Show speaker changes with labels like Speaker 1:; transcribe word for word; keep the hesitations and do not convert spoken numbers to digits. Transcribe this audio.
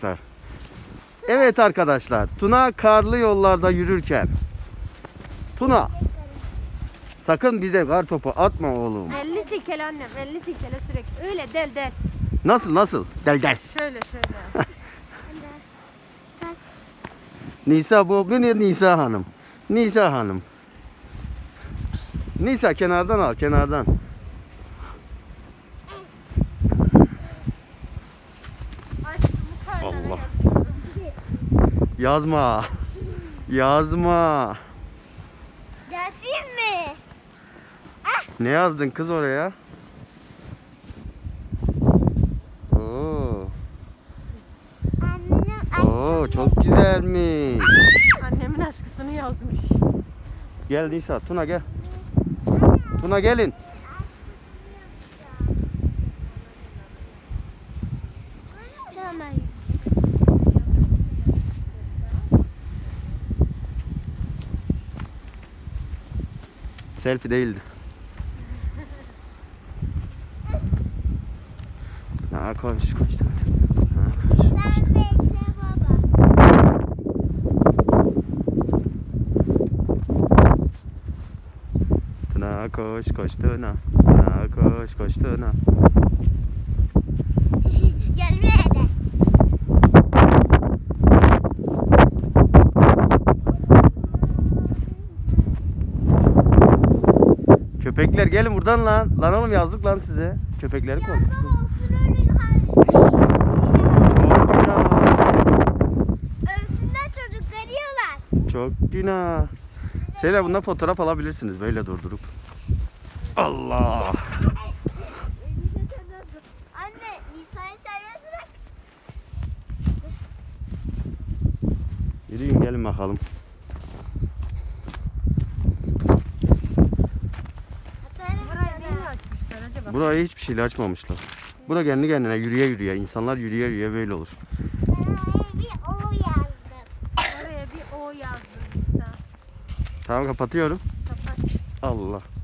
Speaker 1: Evet arkadaşlar, Tuna karlı yollarda yürürken. Tuna, sakın bize kar topu atma oğlum.
Speaker 2: elli sikele annem, elli sikele sürekli. Öyle del del.
Speaker 1: Nasıl nasıl? Del del.
Speaker 2: Şöyle şöyle.
Speaker 1: Nisa, bu bir Nisa Hanım. Nisa Hanım. Nisa kenardan al, kenardan. Allah. Yazma. Yazma.
Speaker 3: Gelsin mi?
Speaker 1: Ne yazdın kız oraya? Oo.
Speaker 3: Annenin aşkı.
Speaker 1: Oo, çok güzelmiş.
Speaker 2: Annemin aşkısını yazmış.
Speaker 1: Gel Nisa, Tuna gel. Tuna gelin.
Speaker 3: Tamam.
Speaker 1: Selfie değildi. Ha, koş koş. Ha, koş.
Speaker 3: Sen bekle baba.
Speaker 1: Tuna koş koş Tuna. Tuna koş koş Tuna.
Speaker 3: Gel buraya de.
Speaker 1: Köpekler gelin buradan lan. Lan oğlum yazdık lan size. Köpekleri koy.
Speaker 3: Yazdım olsun öyle hal.
Speaker 1: Çok günah.
Speaker 3: Övsünler çocukları yiyorlar.
Speaker 1: Çok günah. Şeyler bundan fotoğraf alabilirsiniz böyle durdurup. Allah.
Speaker 3: Anne Nisa'yı serbest bırak.
Speaker 1: Yürüyün gelin bakalım.
Speaker 2: Burayı niye açmışlar acaba?
Speaker 1: Burayı hiçbir şeyle açmamışlar. Bura kendi kendine yürüye yürüye. İnsanlar yürüye yürüye böyle olur.
Speaker 3: Bir o yazdım.
Speaker 2: Oraya bir O yazdım Nisa.
Speaker 1: Tamam kapatıyorum.
Speaker 2: Kapat.
Speaker 1: Allah.